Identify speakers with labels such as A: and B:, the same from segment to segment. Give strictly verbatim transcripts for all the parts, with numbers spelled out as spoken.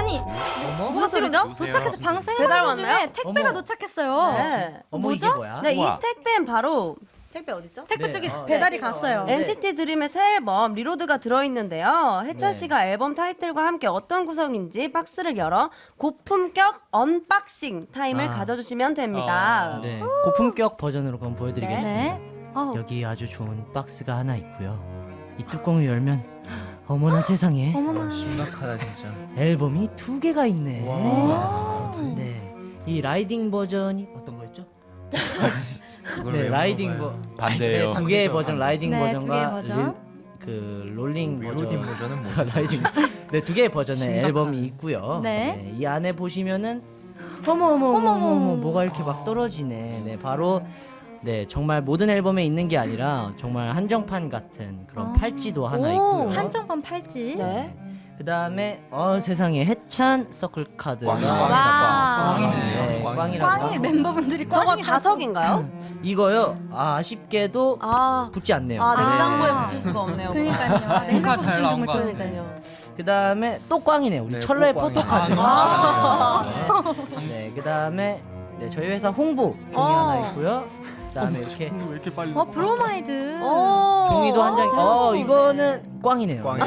A: 아니
B: 어머?
A: 무슨 소리죠?
C: 누구세요?
A: 도착해서 방생
D: 배달
A: 방송 중에
D: 왔나요?
A: 택배가
B: 어머.
A: 도착했어요.
D: 네.
B: 어머
A: 뭐죠?
B: 이게 뭐야?
D: 네, 이
C: 우와.
D: 택배는 바로 택배 어딨죠?
A: 택배
B: 네,
A: 쪽에
B: 어,
A: 배달이
B: 네.
A: 갔어요.
B: 네.
D: 엔시티 드림의 새 앨범 리로드가 들어있는데요. 혜찬
B: 네.
D: 씨가 앨범 타이틀과 함께 어떤 구성인지 박스를 열어 고품격 언박싱 타임을
B: 아.
D: 가져주시면 됩니다.
C: 아.
B: 네, 고품격 버전으로 그럼 보여드리겠습니다.
A: 네. 어,
B: 여기 아주 좋은 박스가 하나 있고요. 이 뚜껑을 열면 어머나 세상에
A: 어머나.
C: 심각하다 진짜.
B: 앨범이 두 개가 있네.
C: 와.
B: 네, 이 라이딩 버전이 어떤 거였죠?
C: 그걸
B: 네,
C: 왜
B: 라이딩
C: 물어봐요?
B: 버
C: 반대예요.
B: 두 개의 버전, 라이딩
A: 네, 두 개의
B: 버전과
A: 버전.
B: 릴, 그 롤링 버전.
C: 릴로딩 버전은 뭐?
B: 라이딩. 네, 두 개의 버전의
C: 심각하네.
B: 앨범이 있고요.
A: 네.
B: 이 안에 보시면은 어머 어머 어머
A: 어머,
B: 어머
A: 어머.
B: 어머 뭐가 이렇게 막 떨어지네. 네, 바로 네 정말 모든 앨범에 있는 게 아니라 정말 한정판 같은 그런
A: 아.
B: 팔찌도 하나
D: 오,
B: 있고요.
A: 한정판 팔찌.
D: 네.
B: 그 다음에 어 세상에 해찬 서클 카드가
C: 꽝이다,
A: 와.
C: 꽝이다.
B: 네,
C: 꽝이네.
B: 꽝이라고.
A: 꽝이 멤버분들이
D: 저거
A: 꽝이라고.
D: 자석인가요?
B: 이거요. 아, 아쉽게도
D: 아,
B: 붙지 않네요.
D: 아 냉장고에
A: 아.
D: 붙일 수가 없네요.
A: 그러니까요.
E: 콩카 잘 나온 거
A: 좋은데.
D: 그러니까요.
B: 그 다음에 또 꽝이네요. 우리
C: 네,
B: 철러의
C: 또 꽝이네.
B: 포토카드.
D: 아.
B: 네, 네 그 다음에 네, 저희 회사 홍보 종이
D: 어.
B: 하나 있고요. 그 다음에 이렇게
E: 왜 이렇게 빨리?
A: 어 브로마이드.
D: 오.
B: 종이도 한 장.
D: 아,
B: 어,
D: 재밌어.
B: 이거는 꽝이네요.
C: 꽝이.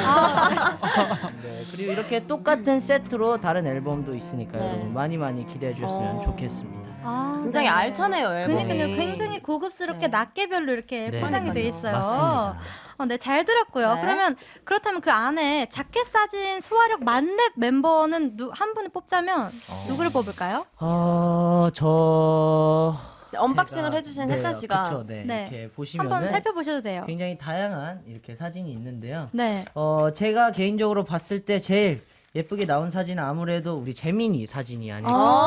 B: 네, 그리고 이렇게 똑같은 세트로 다른 앨범도 있으니까
D: 네.
B: 여러분 많이 많이 기대해 주셨으면
D: 어.
B: 좋겠습니다.
A: 아,
D: 굉장히
A: 네.
D: 알차네요, 앨범이.
A: 그러니까요. 굉장히 고급스럽게
D: 네.
A: 낱개별로 이렇게
B: 네.
A: 포장이 돼 있어요.
B: 맞습니다.
A: 어, 네, 잘 들었고요.
D: 네.
A: 그러면 그렇다면 그 안에 자켓 사진 소화력 만렙 멤버는 누, 한 분을 뽑자면 누구를 뽑을까요?
B: 어, 저
D: 네, 언박싱을
B: 제가-
D: 해주신
B: 네,
D: 혜찬 씨가
B: 그쵸, 네,
A: 네.
B: 이렇게
A: 한번
B: 보시면은
A: 살펴보셔도 돼요.
B: 굉장히 다양한 이렇게 사진이 있는데요.
A: 네.
B: 어, 제가 개인적으로 봤을 때 제일 예쁘게 나온 사진은 아무래도 우리 재민이 사진이 아닐까.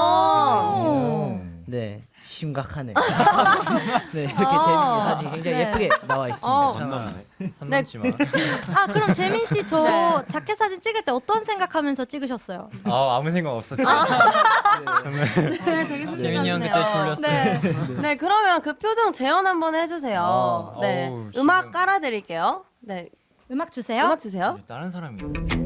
A: 오.
B: 네, 심각하네. 네, 이렇게 재민이 사진 굉장히
A: 네.
B: 예쁘게 나와 있습니다.
D: 어.
B: 참.
C: 선 넘지 마.
A: 아, 그럼 재민 씨 저
D: 네.
A: 자켓 사진 찍을 때 어떤 생각하면서 찍으셨어요?
C: 아 아무 생각 없었죠.
D: 네, 되게
E: 재민이 형 그때
D: 솔직하시네요.
E: 졸렸어요.
D: 네. 네, 그러면 그 표정 재현 한번 해주세요.
C: 어,
D: 네,
C: 어우,
D: 음악
C: 지금-
D: 깔아드릴게요. 네,
A: 음악 주세요.
D: 음악 주세요.
C: 다른 사람이.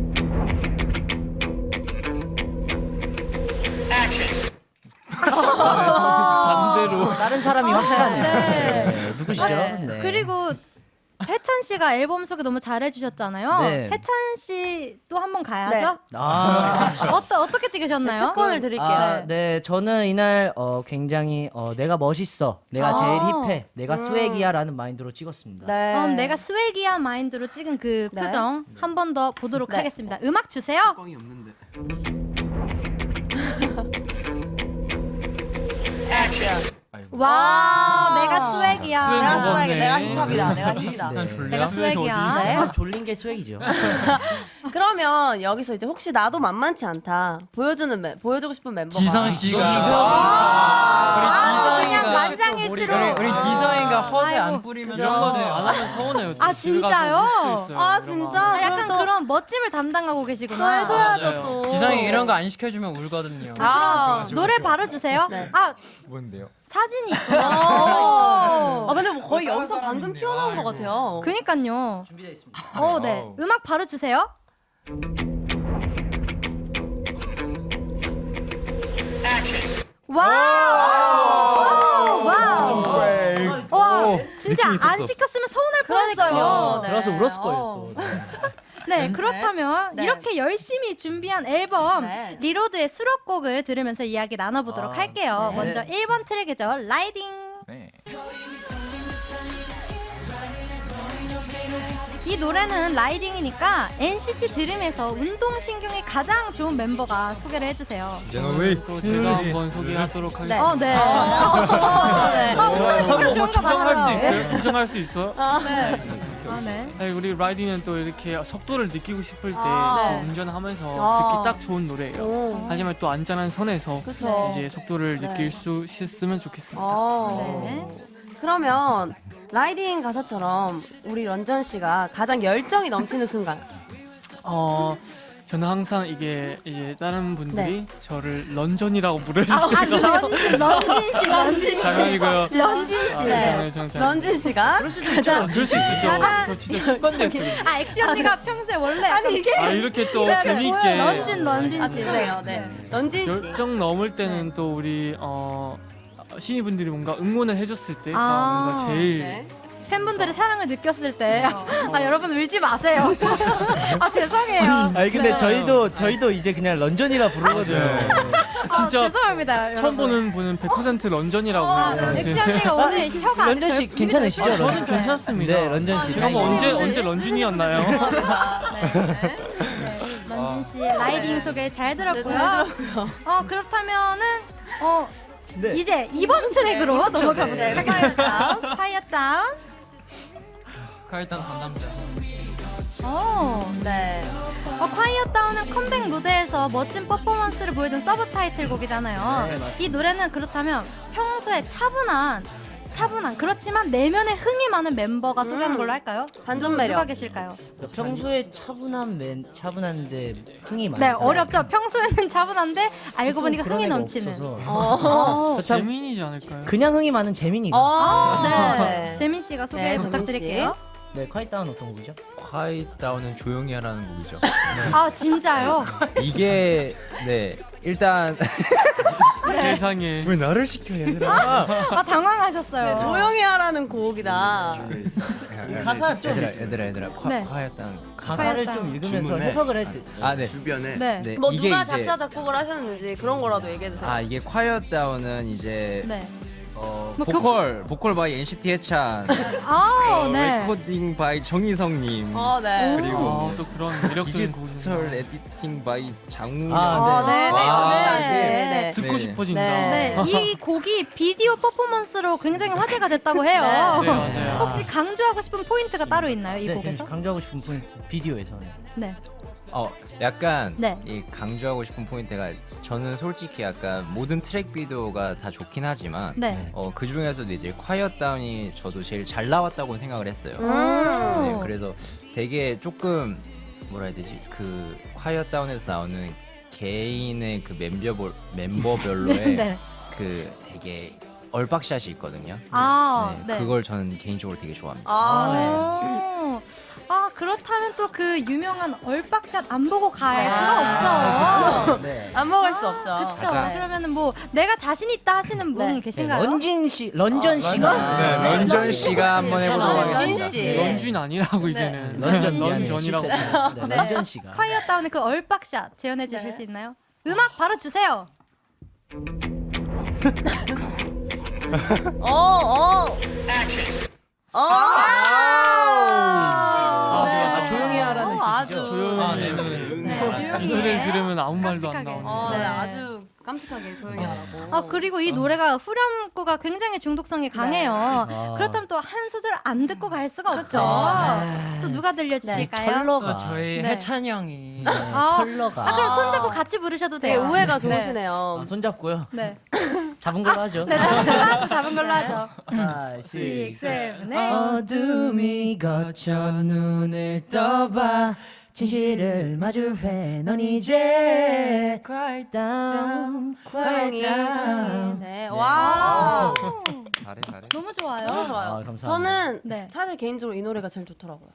E: 반대로.
B: 다른 사람이 확실하네요.
A: 네.
B: 네, 누구시죠?
A: 네.
B: 네.
A: 그리고 해찬 씨가 앨범 소개 너무 잘해주셨잖아요.
B: 네.
A: 해찬 씨 또 한 번 가야죠.
B: 아,
A: 어떠, 어떻게 찍으셨나요?
D: 특권을 드릴게요.
B: 아, 네, 저는 이날 어, 굉장히 어, 내가 멋있어, 내가
A: 아.
B: 제일 힙해, 내가 스웨기야라는 마인드로 찍었습니다.
D: 네.
A: 그럼 내가 스웨기한 마인드로 찍은 그
D: 네.
A: 표정 한 번 더 보도록
D: 네.
A: 하겠습니다. 음악 주세요.
C: 꽝이 없는데.
A: 와, 내가 스웨기야.
E: 스웨
D: 내가
E: 먹었네.
D: 스웩, 내가 힙합이다. 내가 힙이다.
B: 네.
E: 졸려?
A: 내가 스웩이야.
D: 네.
B: 아, 졸린 게 스웨기죠.
D: 그러면 여기서 이제 혹시 나도 만만치 않다 보여주는 멤, 보여주고 싶은 멤버가
E: 지성 씨가.
A: 아,
E: 우리
A: 그냥
E: 지성이가.
A: 만장일치로.
E: 우리, 우리 지성이가 허세
A: 아이고.
E: 안 뿌리면
D: 그죠.
E: 이런 거는 안 하면 서운해요.
A: 아, 진짜요?
D: 아 진짜
A: 아, 약간
D: 그럼 또-
A: 그런 멋짐을 담당하고
D: 또
A: 계시구나.
D: 해줘야죠 또.
E: 지성이 이런 거 안 시켜주면 울거든요.
D: 아,
A: 노래 바로 주세요.
D: 네.
A: 아,
C: 뭔데요?
A: 사진이 있구나.
D: 아 근데 뭐 거의 여기서 방금 튀어나온 것 같아요.
A: 그니까요.
B: 준비되어 있습니다.
A: 어, 네.
C: 아우.
A: 음악 바로 주세요. 와우! 와우! 와, 진짜
C: 느낌 있었어.
A: 안 시켰으면 서운할
D: 그러니까요.
A: 뻔했어요.
D: 네.
B: 들어서 울었을 거예요.
D: 어.
B: 또. 네.
A: 네, 그렇다면
D: 네.
A: 이렇게 열심히 준비한 앨범
D: 네.
A: 리로드의 수록곡을 들으면서 이야기 나눠보도록
B: 아,
A: 할게요.
B: 네.
A: 먼저 일 번 트랙이죠. 라이딩.
C: 네.
A: 이 노래는 라이딩이니까 엔시티 드림에서 운동신경이 가장 좋은 멤버가 소개를 해주세요.
C: 제노웨이.
E: 또 제가 한번 소개하도록 하겠습니다.
A: 어, 네. 어, 네. 아, 운동신경 좋은 거
E: 부정할 수
A: 맞아요.
E: 있어요? 부정할 수 있어?
A: 네. 아, 네.
E: 아니, 우리 라이딩은 또 이렇게 속도를 느끼고 싶을 때
A: 아,
E: 또 운전하면서
D: 아.
E: 듣기 딱 좋은 노래예요.
D: 오.
E: 하지만 또 안전한 선에서
D: 그쵸.
E: 이제 속도를
D: 네.
E: 느낄 수 있으면 좋겠습니다.
D: 어.
A: 네.
D: 그러면 라이딩 가사처럼 우리 런전 씨가 가장 열정이 넘치는 순간.
E: 어 저는 항상 이게 이제 다른 분들이 저를 런전이라고 부르는
A: 아, 런쥔, 런쥔 씨, 런쥔 씨.
E: 장난이고요.
A: 런쥔 씨.
D: 네.
E: 장난, 장난, 장난.
D: 런쥔 씨가
E: 그럴 수 있죠. 그럴 수 있죠.
A: 가장-
E: 저 진짜 습관됐어요.
A: 아, 엑시 언니가 평소에 원래
D: 아니 이게
E: 아 이렇게 또
A: 네, 네.
E: 재밌게
A: 런쥔, 런쥔
D: 아
A: 씨.
D: 죄송해요. 네. 런쥔 씨.
E: 열정 넘을 때는 또 우리 어 신입분들이 뭔가 응원을 해줬을 때가
A: 아,
E: 뭔가 제일
D: 네.
A: 팬분들의 사랑을 느꼈을 때. 아, 여러분 울지 마세요. 아, 죄송해요.
B: 아니 근데
A: 네.
B: 저희도 저희도 이제 그냥 런전이라 부르거든요.
A: 아,
E: 진짜
A: 죄송합니다.
E: 처음
A: 여러분.
E: 보는 분은 백 퍼센트 런전이라고
A: 아,
E: 해요.
A: 엑시 언니가 오늘 혀가 아직
B: 런전 씨
A: 덜
B: 괜찮으시죠?
E: 아, 저는
B: 런쥔?
E: 괜찮습니다.
B: 네, 런전 씨.
E: 제가 뭐
A: 네.
E: 언제
A: 네.
E: 언제 런쥔이었나요?
A: 네. 런쥔 씨 라이딩 소개 잘 들었고요. 어 그렇다면은 어
B: 네.
A: 이제 이번 트랙으로 넘어가
B: 네.
A: 보도록 하겠습니다. 파이어 다운.
C: 일단 담당자.
A: 오.
D: 네.
A: 어, 콰이어 다운은 컴백 무대에서 멋진 퍼포먼스를 보여준 서브 타이틀곡이잖아요.
B: 네, 맞습니다.
A: 이 노래는 그렇다면 평소에 차분한 차분한 그렇지만 내면에 흥이 많은 멤버가 소개하는 걸로 할까요?
D: 반전
A: 누가
D: 매력.
A: 계실까요?
B: 평소에 차분한 맨 차분한데 흥이 많은
A: 네,
B: 사람.
A: 어렵죠. 평소에는 차분한데 알고 보니까
B: 그런
A: 흥이
B: 애가
A: 넘치는.
B: 없어서.
A: 어.
B: 그렇다면
E: 재민이지 않을까요?
B: 그냥 흥이 많은 재민이가.
D: 어.
A: 네. 재민 씨가 소개
D: 네,
A: 부탁드릴게요.
B: 네, 콰이다운 어떤 곡이죠?
C: quiet down은 조용히 하라는 곡이죠.
A: 아, 진짜요?
F: 이게 네 일단
E: 세상에
C: 왜 나를 시켜 얘들아?
A: 아, 당황하셨어요.
D: 네, 조용히 하라는 곡이다.
B: 가사 좀
F: 얘들아 얘들아 얘들아 과,
A: 네.
F: 과였던
B: 가사를
A: 콰이어
B: 좀 읽으면서
C: 주문에.
B: 해석을 해.
F: 아네
C: 주변에
A: 네.
F: 네,
D: 뭐
F: 이게
D: 누가
F: 이제
D: 작사 작곡을 하셨는지 그런 거라도 얘기해 주세요.
F: 아 이게 콰이어다운은 이제
A: 네.
F: 어,
A: 뭐
F: 보컬 보컬 바이 엔시티 해찬
A: 아, 네.
F: 레코딩 바이 정희성님
D: 어, 네.
F: 그리고
E: 아, 또 그런 매력적인 곡이
F: 디지털 에디팅 바이 장훈
B: 아,
D: 어, 네, 네,
F: 와,
D: 네,
A: 네.
D: 네, 네.
E: 듣고
F: 네.
E: 싶어진다.
D: 네.
A: 네, 이 곡이 비디오 퍼포먼스로 굉장히 화제가 됐다고 해요.
D: 네.
E: 네, 맞아요.
A: 혹시 강조하고 싶은 포인트가 따로 있나요, 이
B: 네,
A: 곡에서?
B: 지금 강조하고 싶은 포인트 비디오에서는.
A: 네.
F: 어 약간
A: 네.
F: 이 강조하고 싶은 포인트가 저는 솔직히 약간 모든 트랙 비디오가 다 좋긴 하지만
A: 네.
F: 어, 그 중에서도 이제 콰이어다운이 저도 제일 잘 나왔다고 생각을 했어요.
A: 음.
F: 네, 그래서 되게 조금 뭐라 해야 되지? 그 콰이어다운에서 나오는 개인의 그 멤버별 멤버별로의
A: 네.
F: 그 되게 얼박샷이 있거든요.
A: 아,
F: 네,
A: 네.
F: 그걸 저는 개인적으로 되게 좋아합니다.
D: 아, 네.
A: 오. 아, 그렇다면 또 그 유명한 얼박샷 안 보고 갈
D: 아,
A: 수가 없죠.
B: 네.
D: 안 먹을 수 없죠.
A: 그렇죠.
F: 맞아.
A: 그러면은 뭐 내가 자신 있다 하시는 분
D: 네.
A: 계신가요?
B: 런진 씨, 런전 씨가.
C: 네,
F: 런전 씨가 한번 해보도록
D: 런전
F: 하겠습니다.
D: 씨.
E: 런쥔 아니라고 이제는
B: 런전
E: 런전이라고.
B: 네,
A: 네.
B: 런전 씨가.
A: 콰이어 다운의 그 얼박샷 재현해 주실
D: 네.
A: 수 있나요? 음악 바로 주세요.
D: 어, 어. 어.
B: 아,
A: 네.
B: 아, 조용히 하라는
D: 어, 아주.
B: 뜻이죠.
E: 조용히
C: 아, 네,
E: 해.
C: 네.
A: 네, 조용히
E: 이 노래
A: 해.
E: 들으면 아무 말도 안
A: 깜찍하게.
E: 나오는.
D: 어, 네.
A: 네.
D: 아주 깜찍하게 조용히 하라고.
A: 아 그리고 이 노래가 후렴구가 굉장히 중독성이 강해요.
B: 아.
A: 그렇다면 또 한 소절 안 듣고 갈 수가 없죠.
B: 아.
A: 또 누가 들려주실까요?
B: 철러가.
C: 저희
A: 네.
C: 해찬이 형이
B: 네,
A: 아.
B: 철러가.
A: 아 그럼 손잡고 같이 부르셔도
D: 되게
A: 돼요.
D: 우애가
A: 네.
D: 좋으시네요.
B: 아, 손잡고요.
A: 네.
B: 잡은 걸로 하죠.
A: 네, 잡은 걸로 하죠. 잡은 걸로 하죠.
B: five,
A: six,
B: six,
A: seven,
B: eight.
A: eight.
B: 어둠이 거쳐 눈을 떠봐 진실을 마주해 넌 이제 quiet down, quiet down.
D: 네. 와.
F: 잘해 잘해.
A: 너무 좋아요.
D: 너무 좋아요.
B: 아, 감사합니다.
D: 저는
A: 네.
D: 사실 개인적으로 이 노래가 제일 좋더라고요.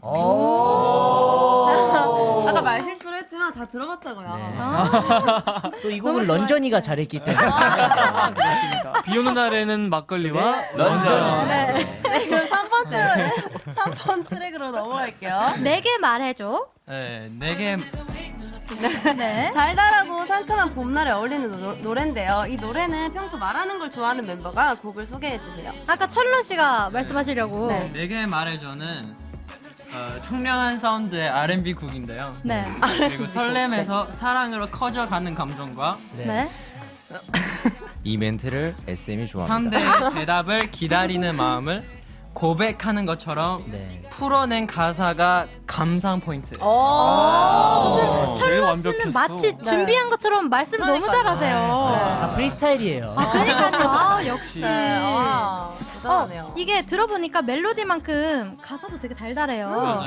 B: 오.
D: 아까 말 실수를 했지만 다 들어봤다고요.
B: 네.
A: 아,
B: 또 이 곡은
A: 너무 좋아요.
B: 런전이가 잘했기 때문에.
E: 그렇습니다. 비 오는 날에는 막걸리와
B: 런전이죠.
A: 네.
D: 네, 그럼 삼 번 트랙, 삼 번 트랙으로 넘어갈게요.
A: 내게 말해줘.
C: 네, 네개
A: 네.
D: 달달하고 상큼한 봄날에 어울리는 노, 노래인데요. 이 노래는 평소 말하는 걸 좋아하는 멤버가 곡을 소개해 주세요.
A: 아까 철로 씨가 말씀하시려고.
D: 네.
G: 내게 말해줘는 어, 청량한 사운드의 알앤비 곡인데요.
A: 네.
G: 그리고 설렘에서 사랑으로 커져가는 감정과
A: 네.
F: 이 멘트를 에스엠이 좋아합니다.
G: 상대의 대답을 기다리는 마음을 고백하는 것처럼
B: 네.
G: 풀어낸 가사가 감상 포인트.
D: 오.
E: 어,
A: 철로
E: 되게
A: 씨는
E: 완벽했어.
A: 마치 준비한 것처럼 말씀을 너무 잘하세요.
B: 다 프리스타일이에요.
A: 아, 그러니까요. 아, 역시.
D: 네, 와, 대단하네요.
A: 어, 이게 들어보니까 멜로디만큼 가사도 되게 달달해요.
G: 맞아요.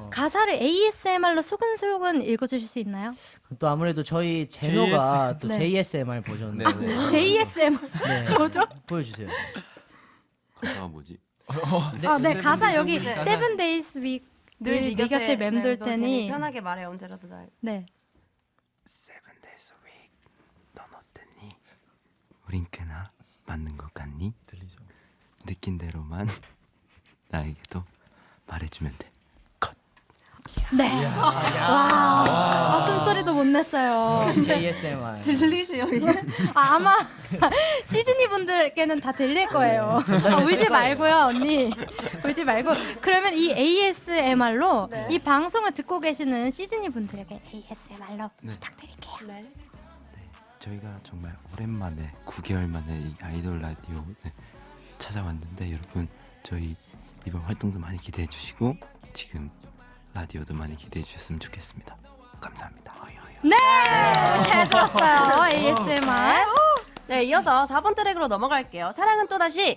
A: 가사를 에이에스엠알로 소근소근 읽어주실 수 있나요?
B: 또 아무래도 저희 제노가 또
A: 네.
B: 제이에스엠알 버전
F: 네,
B: 네.
F: 네.
A: 제이에스엠알
B: 네.
A: 뭐죠?
B: 보여주세요.
H: 가사가 뭐지?
A: 아, 네, 가사 여기 Seven Days Week 늘 네 곁에 맴돌 테니.
D: 편하게 말해 언제라도 날.
A: 네.
H: Seven days a week. 넌 어땠니? 우린 꽤나 맞는 것 같니?
C: 들리죠?
H: 느낀 대로만 나에게도 말해주면 돼. 컷.
A: 네. 와. 아, 숨소리도 못 냈어요.
B: 제이에스엠알.
D: 들리세요 이게?
A: 아, 아마 시즈니 분들께는 다 들릴 거예요. 아, 울지 말고요, 언니. 울지 말고. 그러면 이 에이에스엠알로
D: 네.
A: 이 방송을 듣고 계시는 시즈니 분들에게 에이에스엠알로
H: 네.
A: 부탁드릴게요.
D: 네.
H: 저희가 정말 오랜만에 구 개월 만에 이 아이돌 라디오 네, 찾아왔는데 여러분 저희 이번 활동도 많이 기대해 주시고 지금 라디오도 많이 기대해 주셨으면 좋겠습니다. 감사합니다.
A: 네, 잘 들었어요. 에이에스엠알.
D: 네, 이어서 사 번 트랙으로 넘어갈게요. 사랑은 또다시.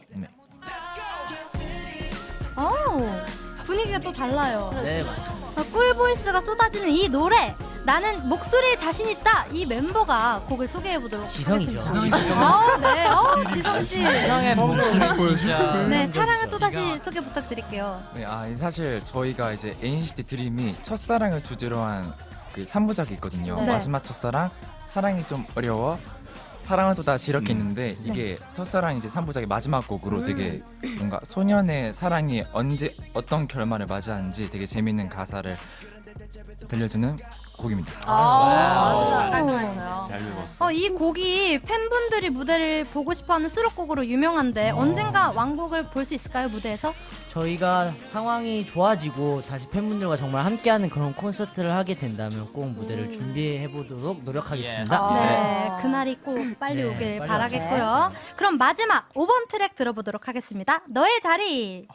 A: 오, 분위기가 또 달라요.
B: 네, 맞습니다.
A: 아, 꿀보이스가 쏟아지는 이 노래. 나는 목소리에 자신 있다. 이 멤버가 곡을 소개해 보도록
B: 지성이죠.
A: 하겠습니다. 어, 네, 어, 지성 씨.
G: 지성의 목소리 진짜.
A: 네, 사랑은 또 다시 소개 부탁드릴게요.
I: 네, 아 사실 저희가 이제 엔시티 드림이 첫사랑을 주제로 한 그 삼 부작이 있거든요.
A: 네.
I: 마지막 첫사랑, 사랑이 좀 어려워, 사랑은 또 다시 이렇게 있는데 이게 첫사랑 이제 삼 부작의 마지막 곡으로 되게 뭔가 소년의 사랑이 언제 어떤 결말을 맞이하는지 되게 재밌는 가사를 들려주는 곡입니다.
D: 아,
A: 잘
D: 잘 깔끔했어요.
H: 잘 외웠어.
A: 어, 이 곡이 팬분들이 무대를 보고 싶어하는 수록곡으로 유명한데 언젠가 완곡을 볼 수 있을까요, 무대에서?
B: 저희가 상황이 좋아지고 다시 팬분들과 정말 함께하는 그런 콘서트를 하게 된다면 꼭 무대를 준비해 보도록 노력하겠습니다.
D: 아.
A: 네, 그날이 꼭 빨리
B: 네,
A: 오길
B: 빨리
A: 바라겠고요. 그럼 마지막 오 번 트랙 들어보도록 하겠습니다. 너의 자리.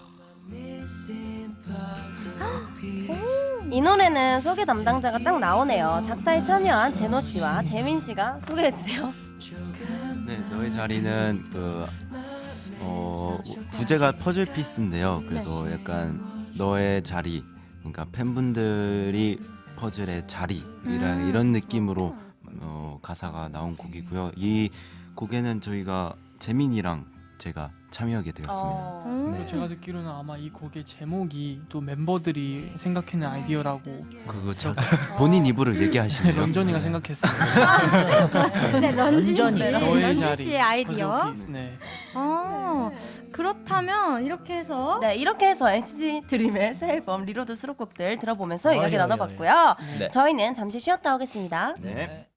D: 이 노래는 소개 담당자가 딱 나오네요. 작사에 참여한 제노 씨와 재민 씨가 소개해 주세요.
H: 네, 너의 자리는 그 어, 부제가 퍼즐 피스인데요. 그래서 약간 너의 자리, 그러니까 팬분들이 퍼즐의 자리이라 이런 느낌으로 어, 가사가 나온 곡이고요. 이 곡에는 저희가 재민이랑 제가 참여하게 되었습니다.
D: 어.
A: 음.
B: 네.
E: 제가 듣기로는 아마 이 곡의 제목이 또 멤버들이 생각해낸 아이디어라고
H: 그거 자, 본인 입으로 얘기하시네요.
E: 런전이가 생각했어요.
A: 네, 런쥔 씨.
B: 런쥔이.
E: 너의
A: 런쥔
E: 자리.
A: 씨의 아이디어.
E: 퍼즐 피스, 네.
A: 어, 그렇다면 이렇게 해서
D: 네, 이렇게 해서 엔시티 드림의 새 앨범 리로드 수록곡들 들어보면서
B: 어이,
D: 이야기
B: 어이,
D: 나눠봤고요.
F: 네.
D: 저희는 잠시 쉬었다 오겠습니다.
H: 네.